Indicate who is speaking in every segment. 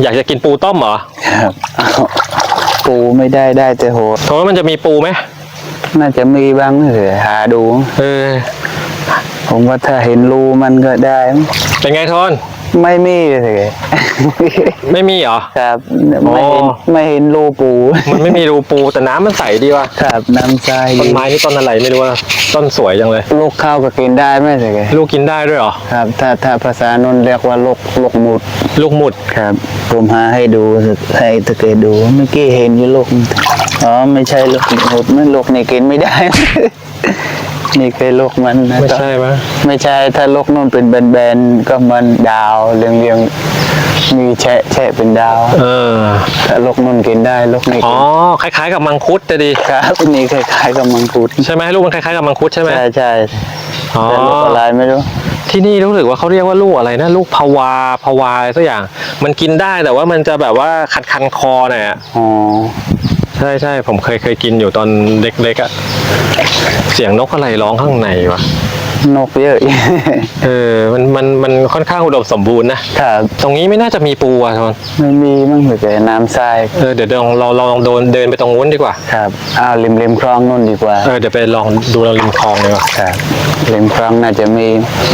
Speaker 1: อยากจะกินปูต้มเหรอ
Speaker 2: ครับปูไม่ได้แต่โหด
Speaker 1: เพราะว่ามันจะมีปูไหม
Speaker 2: น่าจะมีบ้างเลยหาดูผมว่าถ้าเห็นรูมันก็ได้
Speaker 1: เป็นไงทน
Speaker 2: ไม่มีเลย
Speaker 1: ไม่มีเหรอ
Speaker 2: ครับไม่เห็นรูปู
Speaker 1: มันไม่มีรูปูแต่น้ำมันใสดีว่ะ
Speaker 2: ครับน้ำใส
Speaker 1: ต้นไม้นี่ต้นอะไรไม่รู้ว่าต้นสวยจังเลย
Speaker 2: ลูกข้าวก็กินได้ไหมเลย
Speaker 1: ลูกกินได้ด้วยเหรอ
Speaker 2: ครับถ้าภาษานนเรียกว่าลูกหมุดครับผมหาให้ดูให้ตะเกียดูเมื่อกี้เห็นอยู่ลูกอ๋อไม่ใช่ลูกหมุดมันลูกนี่กินไม่ได้นี่คือลูกมันนะ
Speaker 1: ไม่ใช่ไหม
Speaker 2: ไม่ใช่ถ้าลูกนู่นเป็นแบนๆก็มันดาวเรียงมีแฉะเป็นดาวถ้าลูกนู่นกินได้ลูกนี่
Speaker 1: อ๋อคล้ายๆกับมังคุดจะดี
Speaker 2: ครับนี่คล้ายๆกับมังคุด
Speaker 1: ใช่ไหมลูกมันคล้ายๆกับมังคุดใช่ไหม
Speaker 2: ใช่แต่ลูกอะไรไม่รู้
Speaker 1: ที่นี่รู้สึกว่าเขาเรียกว่าลูกอะไรนะลูกพาวาอะไรสักอย่างมันกินได้แต่ว่ามันจะแบบว่าคันคอหน่อยอ่ะ
Speaker 2: อ๋อ
Speaker 1: ใช่ผมเคยกินอยู่ตอนเล็กๆอ่ะเสียงนกอะไรร้องข้างในวะ
Speaker 2: นกเยอะ
Speaker 1: มันค่อนข้างอุดมสมบูรณ์นะครับตรงนี้ไม่น่าจะมีปูอ่ะทน
Speaker 2: ไม่มีมั้งเหมือนกับน้ำทราย
Speaker 1: เดี๋ยวเราลองเดินไปตรงนู้นดีกว่า
Speaker 2: ครับริมคลองนู่นดีกว่า
Speaker 1: เดี๋ยวไปลองดูริมคลองดีกว่า
Speaker 2: ครับริมคลองน่าจะมี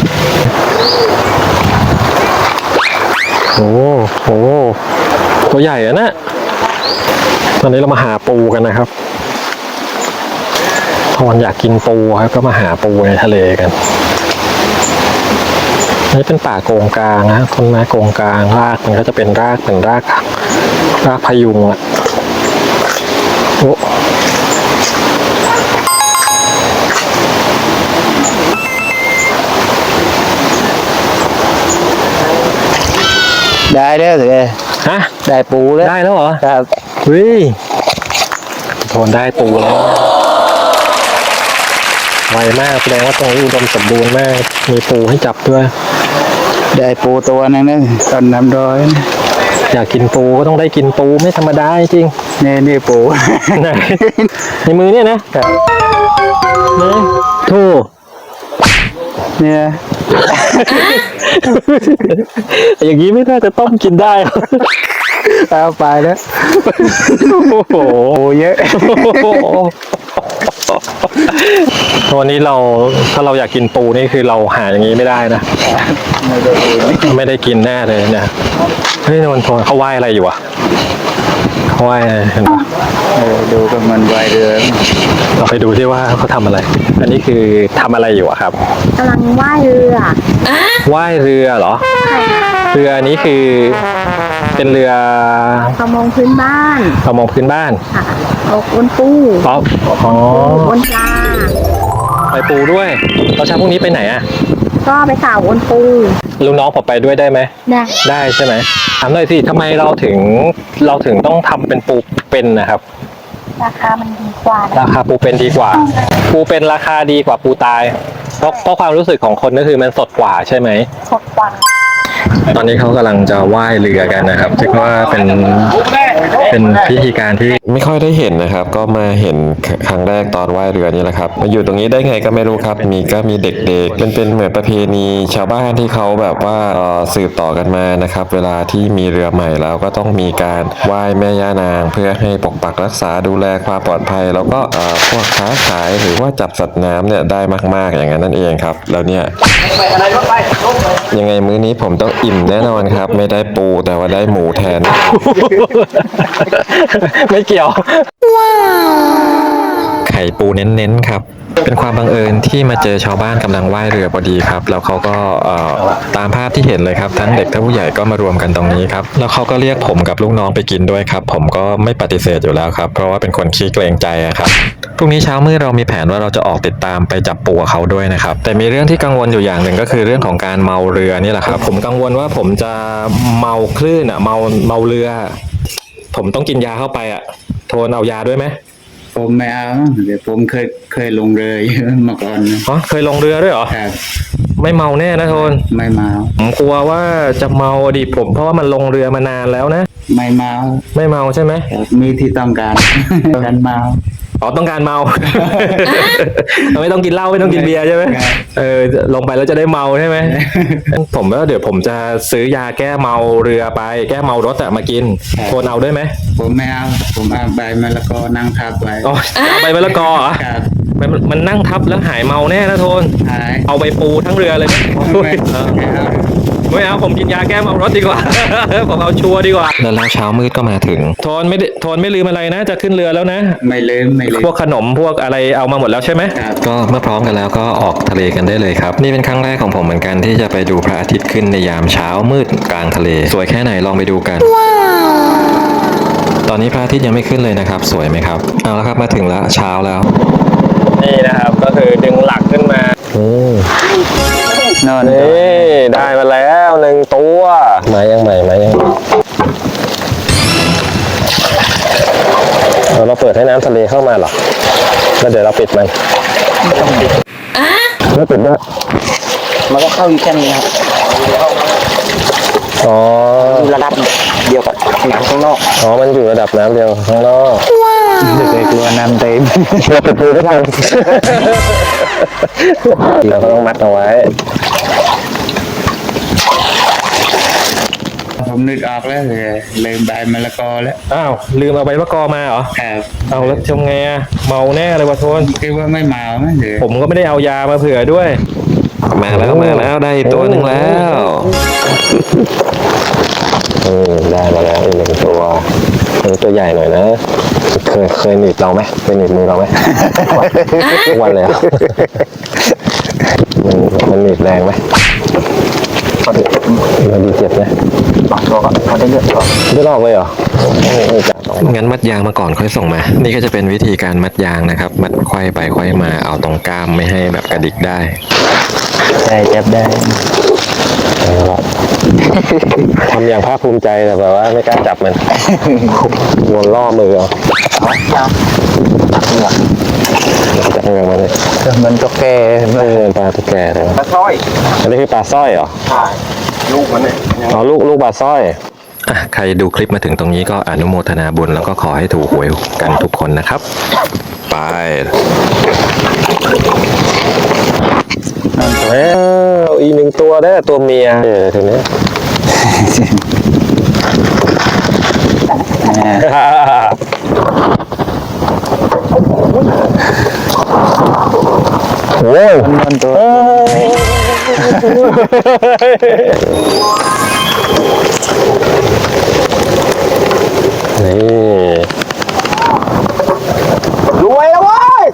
Speaker 1: โอ้โหตัวใหญ่อะนะตอนนี้เรามาหาปูกันนะครับทอนอยากกินปูครับก็มาหาปูในทะเลกันนี่เป็นป่าโกงกลางนะต้นไม้โกงกลางรากมันก็จะเป็นรากพยุงอ่ะโอ้
Speaker 2: ได้แล้วสิ
Speaker 1: ฮะ
Speaker 2: ได้ปูแล้ว
Speaker 1: ได้แล้วเหรอ
Speaker 2: ครับ
Speaker 1: โทนได้ปูแล้วไวมากแสดงว่าตรงนี้อุดมสมบูรณ์มากมีปูให้จับด้วย
Speaker 2: ได้ปูตัวนึงนะตอนน้ำร้อย
Speaker 1: อยากกินปูก็ต้องได้กินปูไม่ธรรมดาจริง
Speaker 2: นี่ปู
Speaker 1: ในมือเนี่ยนะครับนี่โธ่
Speaker 2: เนี่ย
Speaker 1: อย่างนี้ไม่น่าจะต้มกินได้
Speaker 2: เอาไปแล้วโอ้โหเยอะ
Speaker 1: ตัวนี้ถ้าเราอยากกินปูนี่คือเราหาอย่างนี้ไม่ได้นะไม่ได้กินแน่เลยเนี่ยเฮ้ยนนทนเขาไหว้อะไรอยู่อ่ะเขาไหว้เห็นปะ
Speaker 2: ดูกับมันไหว้เรือ
Speaker 1: เราไปดูที่ว่าเขาทำอะไรอันนี้คือทำอะไรอยู่อะครับ
Speaker 3: กำลังไหว้เรือ
Speaker 1: ไหว้เรือเหรอเรือนี้คือเป็นเรือ
Speaker 3: ประมงพื้นบ้าน
Speaker 1: ค่ะ
Speaker 3: เอาบนปูบนปลา
Speaker 1: ไปปูด้วยเราเช้าพรุ่งนี้ไปไหนอ่ะ
Speaker 3: ก็ไปสาวบนปู
Speaker 1: ลูกน้องผมไปด้วยได้ไหมได้ใช่ไหมถามหน่อยสิทำไมเราถึงต้องทำเป็นปูเป็นนะครับ
Speaker 3: ราคามันดีกว่า
Speaker 1: ราคาปูเป็นดีกว่าปูเป็นราคาดีกว่าปูตายเพราะความรู้สึกของคนก็คือมันสดกว่าใช่ไหม
Speaker 3: สดกว่า
Speaker 1: ตอนนี้เขากำลังจะว่ายเรือกันนะครับซึ่งว่าเป็นพิธีการที่ไม่ค่อยได้เห็นนะครับก็มาเห็นครั้งแรกตอนว่ายเรือนี่แหละครับมาอยู่ตรงนี้ได้ไงก็ไม่รู้ครับมีเด็กๆเป็นเหมือนประเพณีชาวบ้านที่เขาแบบว่าสืบต่อกันมานะครับเวลาที่มีเรือใหม่แล้วก็ต้องมีการไหว้แม่ย่านางเพื่อให้ปกปักรักษาดูแลความปลอดภัยแล้วก็พวกค้าขายหรือว่าจับสัตว์น้ำเนี่ยได้มากๆอย่างนั้นนั่นเองครับแล้วเนี่ยยังไงมื้อนี้ผมต้องอิ่มแน่นอนครับไม่ได้ปูแต่ว่าได้หมูแทนไม่เกี่ยวไข่ปูเน้นๆครับเป็นความบังเอิญที่มาเจอชาวบ้านกำลังว่ายเรือพอดีครับแล้วเขาก็ตามภาพที่เห็นเลยครับทั้งเด็กทั้งผู้ใหญ่ก็มารวมกันตรงนี้ครับแล้วเขาก็เรียกผมกับลูกน้องไปกินด้วยครับผมก็ไม่ปฏิเสธอยู่แล้วครับเพราะว่าเป็นคนขี้เกรงใจครับพรุ่งนี้เช้ามืดเรามีแผนว่าเราจะออกติดตามไปจับปูเขาด้วยนะครับแต่มีเรื่องที่กังวลอยู่อย่างหนึ่งก็คือเรื่องของการเมาเรือนี่แหละครับผมกังวลว่าผมจะเมาคลื่นเมาเรือผมต้องกินยาเข้าไปโทนเอายาด้วยไหม
Speaker 2: ผมไม่เอาเดี๋ยวผมเคยลงเรือมาก่อน
Speaker 1: เคยลงเรือด้วยเหรอ
Speaker 2: ครับ
Speaker 1: ไม่เมาแน่นะโทน
Speaker 2: ไม่เมา
Speaker 1: ผมกลัวว่าจะเมาดิผมเพราะว่ามันลงเรือมานานแล้วนะ
Speaker 2: ไม่เมา
Speaker 1: ใช่ไหม
Speaker 2: มีที่ต้องการเมา
Speaker 1: อ๋อต้องการเมา ไม่ต้องกินเหล้าไม่ต้องกินเบียร์ใช่ไหมลงไปแล้วจะได้เมาใช่ไหม ผมว่าเดี๋ยวผมจะซื้อยาแก้เมาเรือไปแก้เมารถอะมากินโทนเอาด้วยไหม
Speaker 2: ผมไม่เอาผมเอาใบมะละกอนั่งทับไว้
Speaker 1: อ๋อเอาใบมะละกอเหรอ
Speaker 2: ครับ
Speaker 1: มันนั่งทับแล้วหายเมาแน่นะโทน
Speaker 2: หาย
Speaker 1: เอาไปปูทั้งเรือเลยไหม
Speaker 2: ไม่เอา
Speaker 1: ไม่เอาผมกินยาแก้เมารถดีกว่า ผมเอาชัวร์ดีกว่าแล้วเช้ามืดก็มาถึงโทนไม่ลืมอะไรนะจะขึ้นเรือแล้วนะ
Speaker 2: ไม่ลืม
Speaker 1: พวกขนมพวกอะไรเอามาหมดแล้วใช่ไหม
Speaker 2: ครับ
Speaker 1: ก็เมื่อพร้อมกันแล้วก็ออกทะเลกันได้เลยครับ นี่เป็นครั้งแรกของผมเหมือนกันที่จะไปดูพระอาทิตย์ขึ้นในยามเช้ามืดกลางทะเล สวยแค่ไหนลองไปดูกัน ตอนนี้พระอาทิตย์ยังไม่ขึ้นเลยนะครับ สวยไหมครับเอาละครับมาถึงแล้วเช้าแล้ว นี่นะครับก็คือดึงหลักขึ้นมา
Speaker 2: นอน
Speaker 1: นี่ได้มาแล้วหนึ่งตัวมายังใหม่มายังเราเปิดให้น้ำทะเลเข้ามาเหรอแล้วเดี๋ยวเราปิดมันไม่ปิดด้วย
Speaker 2: มันก็เข้าอยู่แค่นี้ครับ
Speaker 1: อ๋อ
Speaker 2: ระดับเดียวกับน้ำข้างนอก
Speaker 1: อ๋อมันอยู่ระดับน้ำเดียวข้างนอก
Speaker 2: ไม่เคยกลัวน้ำเต็ม
Speaker 1: เราไปดูได้ทันเราก็ต้องมัดเอาไว้
Speaker 2: ผมนึกออกแล้วเลยลืมใบมะละกอแล้ว
Speaker 1: อ้าวลืมเอาใบมะกอมาเหรอ
Speaker 2: ครับ
Speaker 1: เอาแล้วทำไงอะเมาแน่เลยวะโทน
Speaker 2: คิดว่าไม่เมาไหมหรือ
Speaker 1: ผมก็ไม่ได้เอายามาเผื่อด้วย มาแล้วได้อีกตัวหนึ่งแล้วได้มาแล้วอีกหนึ่งตัวตัวใหญ่หน่อยนะเคยหนีบเราไหมเคยหนีบมือเราไหม ทุกวันเลยอะมันหนีบแรงไหมมันดีเจ็บไหม
Speaker 2: บางตัวก็เขาได้เลือดออก
Speaker 1: ไม่ลอกเลยเหรองั้นมัดยางมาก่อนค่อยส่งมา นี่ก็จะเป็นวิธีการมัดยางนะครับ มัดไขว้ไปไขว้มาเอาตรงกล้ามไม่ให้แบบกระดิกได้
Speaker 2: ได้จับได้
Speaker 1: ทำอย่างภาคภูมิใจแต่แบบว่าไม่กล้าจับมัน วนล่อมือเอาจับมือมันเลย
Speaker 2: มันก็แก่
Speaker 1: ปลาตุ๊กแกเลย
Speaker 2: ปลาสร้อย
Speaker 1: อันนี้คือปลาสร้อยเหรอ
Speaker 2: ใช่ลูกมันเนี่ย
Speaker 1: อ๋อลูกปลาสร้อยใครดูคลิปมาถึงตรงนี้ก็อนุโมทนาบุญแล้วก็ขอให้ถูกหวยกันทุกคนนะครับ ไปแล้วอีกหนึ่งตัวได้ตัวเมียทีนี้ โอ้ย
Speaker 2: มันตัว
Speaker 1: นี่
Speaker 2: รวยแล้วเว้ย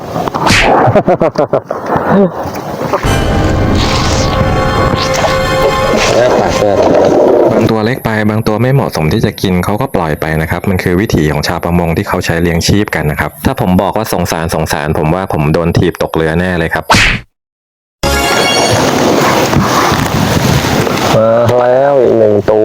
Speaker 1: บางตัวเล็กไปบางตัวไม่เหมาะสมที่จะกินเขาก็ปล่อยไปนะครับ มันคือวิถีของชาวประมงที่เขาใช้เลี้ยงชีพกันนะครับ ถ้าผมบอกว่าสงสารผมว่าผมโดนถีบตกเรือแน่เลยครับมาแล้วอีกหนึ่งตัว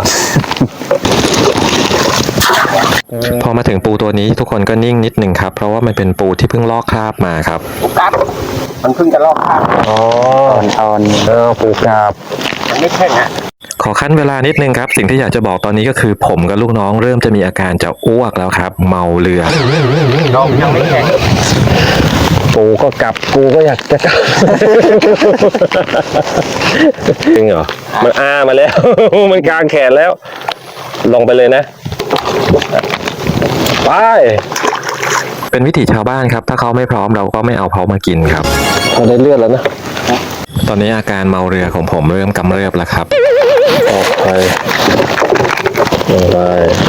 Speaker 1: พอมาถึงปูตัวนี้ทุกคนก็นิ่งนิดหนึ่งครับ เพราะว่ามันเป็นปูที่เพิ่งลอกคราบมาครับ
Speaker 2: กัดมันเพิ่งจะลอกขาด
Speaker 1: อ๋อ
Speaker 2: ตอน
Speaker 1: ปูกราบ
Speaker 2: มันไม่แข็งอ่ะ
Speaker 1: ขอขั้นเวลานิดนึงครับ สิ่งที่อยากจะบอกตอนนี้ก็คือผมกับลูกน้องเริ่มจะมีอาการจะอ้วกแล้วครับ เมาเรือ
Speaker 2: น้องยังไม่แข็ง
Speaker 1: ปูก็กลับปูก็อยากจะกลับ จริงเหรอมันมาแล้ว มันกลางแขนแล้ว ลงไปเลยนะไปเป็นวิถีชาวบ้านครับ ถ้าเขาไม่พร้อมเราก็ไม่เอาเขามากินครับเราได้เลือดแล้วนะตอนนี้อาการเมาเรือของผมเริ่มกำเริบแล้วครับออกไปลงไป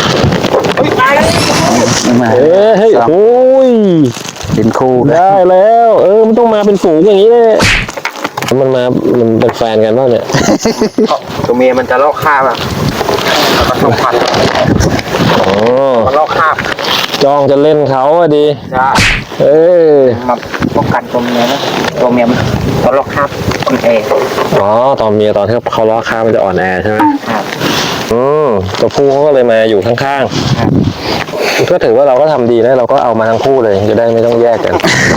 Speaker 2: มา
Speaker 1: เฮ้ยโอ้ย
Speaker 2: เป็นคู่
Speaker 1: ได้แล้ว มันต้องมาเป็นฝูงอย่างนี้เลยมันเป็นแฟนกันป่ะเนี่ย
Speaker 2: ตัวเมียมันจะลอกคราบอ่ะผสมพันธุ์
Speaker 1: อ๋อ
Speaker 2: มันลอกคราบ
Speaker 1: จ้องจะเล่นเขาอะดี
Speaker 2: ใช่ มาป้องกันตัวเมียนะตัวเมียมันตัวลอกคราบอ่อนแอ
Speaker 1: อ๋อตอนเมียตอนที่เขาล้อข้ามมันจะอ่อนแอใช่ไหม
Speaker 2: ครับ
Speaker 1: ตัวผู้เขาก็เลยมาอยู่ข้างๆก็ถือว่าเราก็ทำดีนะเราก็เอามาทั้งคู่เลยจะได้ไม่ต้องแยกกัน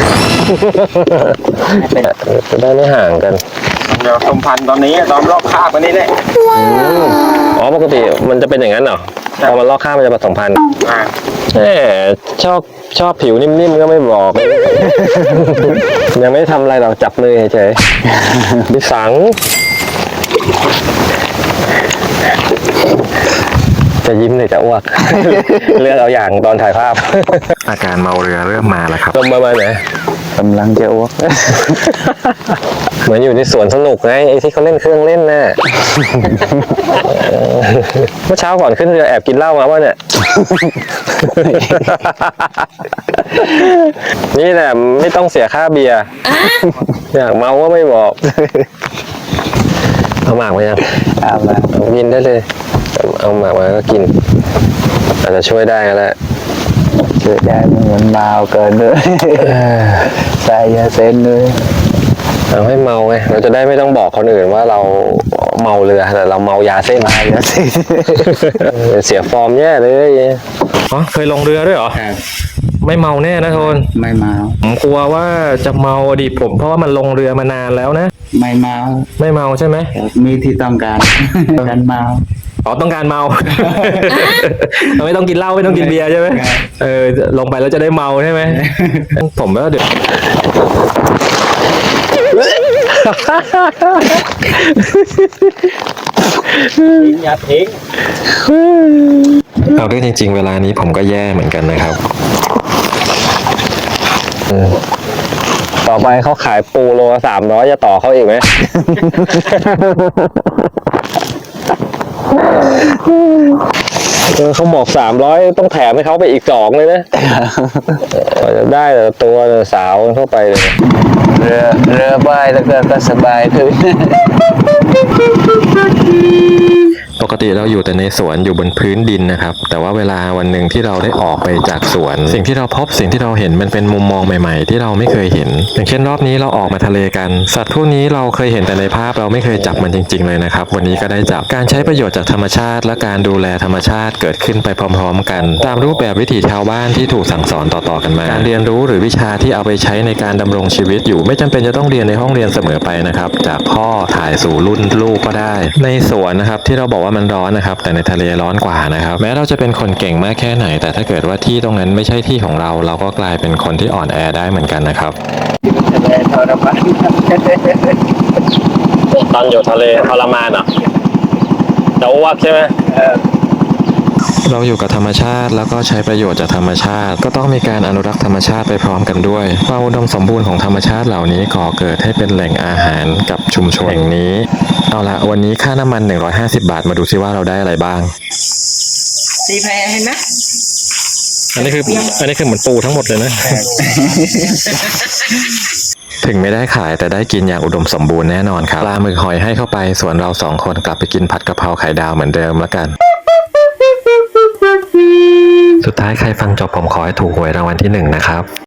Speaker 1: จะได้ไม่ห่างกัน
Speaker 2: เดี๋ยวสมพันธุ์ตอนนี้ตอนลอกคราบอันนี้แหละ
Speaker 1: อ๋อปกติมันจะเป็นอย่างนั้นเหรอพอมันลอกข้ามมันจะผสมพันธุ์
Speaker 2: อ่า
Speaker 1: แหมชอบผิวนิ่มๆก็ไม่บอก ยังไม่ทำอะไรหรอกจับมือเฉยๆดิสัง จะยิ้มหรือจะอ้วก เลือกเอาอย่างตอนถ่ายภาพ อาการเมาเรือเริ่มมาแล้วครับลมมาไหน
Speaker 2: กำลังจะอ้วก
Speaker 1: เหมือนอยู่ในสวนสนุกไงไอ้ที่เขาเล่นเครื่องเล่นน่ะ เมื่อเช้าก่อนขึ้นเรือแอบกินเหล้ามาวะเนี่ย นี่แหละไม่ต้องเสียค่าเบียร์อยากเมาก็ไม่บอก เอาหมากมายัง
Speaker 2: เอามา
Speaker 1: กินได้เลย เอาหมากมาก็กิน อาจจะช่วยได้ก็แล้ว
Speaker 2: ช่วยได้เหมือนเมาเกินเลย ใส่ยาเส้นเลย
Speaker 1: เอาให้เมาไงเราจะได้ไม่ต้องบอกคนอื่นว่าเราเมาเรือแต่เราเมายาเส้น
Speaker 2: ยาเส้น
Speaker 1: เสียฟอร์มแย่เลยอ๋อเคยลงเรือด้วยเหรอ
Speaker 2: ครับ
Speaker 1: ไม่เมาแน่นะโทน
Speaker 2: ไม่เมา
Speaker 1: ผมกลัวว่าจะเมาดิผมเพราะว่ามันลงเรือมานานแล้วนะ
Speaker 2: ไม่เมา
Speaker 1: ไม่เมาใช่ไหม
Speaker 2: มีที่ต้องการการเมา
Speaker 1: อ๋อต้องการเมา ไม่ต้องกินเหล้าไม่ต้องกินเบียร์ใช่ไหมลงไปแล้วจะได้เมาใช่ไหม ผมว่าเดี๋ยว
Speaker 2: อย่าทิ้ง
Speaker 1: เอาด้วยจริงๆเวลานี้ผมก็แย่เหมือนกันนะครับต่อไปเขาขายปูโลละ300จะต่อเขาอีกไหม เขาบอก300ต้องแถมให้เขาไปอีก2เลยนะกว่าจะได้แต่ตัวสาวเข้าไปเลย
Speaker 2: เรือใบแล้วก็สบายขึ้น
Speaker 1: ปกติเราอยู่แต่ในสวนอยู่บนพื้นดินนะครับแต่ว่าเวลาวันหนึ่งที่เราได้ออกไปจากสวน สิ่งที่เราพบสิ่งที่เราเห็นมันเป็นมุมมองใหม่ๆที่เราไม่เคยเห็นอย่างเช่นรอบนี้เราออกมาทะเลกันสัตว์พวกนี้เราเคยเห็นแต่ในภาพเราไม่เคยจับมันจริงๆเลยนะครับวันนี้ก็ได้จับการใช้ประโยชน์จากธรรมชาติและการดูแลธรรมชาติเกิดขึ้นไปพร้อมๆกันตามรูปแบบวิถีชาวบ้านที่ถูกสั่งสอนต่อๆกันมาการเรียนรู้หรือวิชาที่เอาไปใช้ในการดำรงชีวิตอยู่ไม่จำเป็นจะต้องเรียนในห้องเรียนเสมอไปนะครับจากพ่อถ่ายสู่รุ่นลูกก็ได้ในสวนนะครับที่เราบอกว่ามันร้อนนะครับแต่ในทะเลร้อนกว่านะครับแม้เราจะเป็นคนเก่งมากแค่ไหนแต่ถ้าเกิดว่าที่ตรงนั้นไม่ใช่ที่ของเราเราก็กลายเป็นคนที่อ่อนแอได้เหมือนกันนะครับตอนอยู่ทะเลทรมานอ่ะจะอ้วกใช่ไหมเราอยู่กับธรรมชาติแล้วก็ใช้ประโยชน์จากธรรมชาติก็ต้องมีการอนุรักษ์ธรรมชาติไปพร้อมกันด้วยความอุดมสมบูรณ์ของธรรมชาติเหล่านี้ก่อเกิดให้เป็นแหล่งอาหารกับชุมชนแห่งนี้เอาละวันนี้ค่าน้ำมัน150 บาทมาดูซิว่าเราได้อะไรบ้าง
Speaker 3: สีแพรเห็นไหม
Speaker 1: อันนี้คือเหมือนปูทั้งหมดเลยนะ ถึงไม่ได้ขายแต่ได้กินอย่างอุดมสมบูรณ์แน่นอนครับปลาหมึกหอยให้เข้าไปส่วนเรา2 คนกลับไปกินผัดกะเพราไข่ดาวเหมือนเดิมแล้วกัน สุดท้ายใครฟังจบผมขอให้ถูกหวยรางวัลที่1นะครับ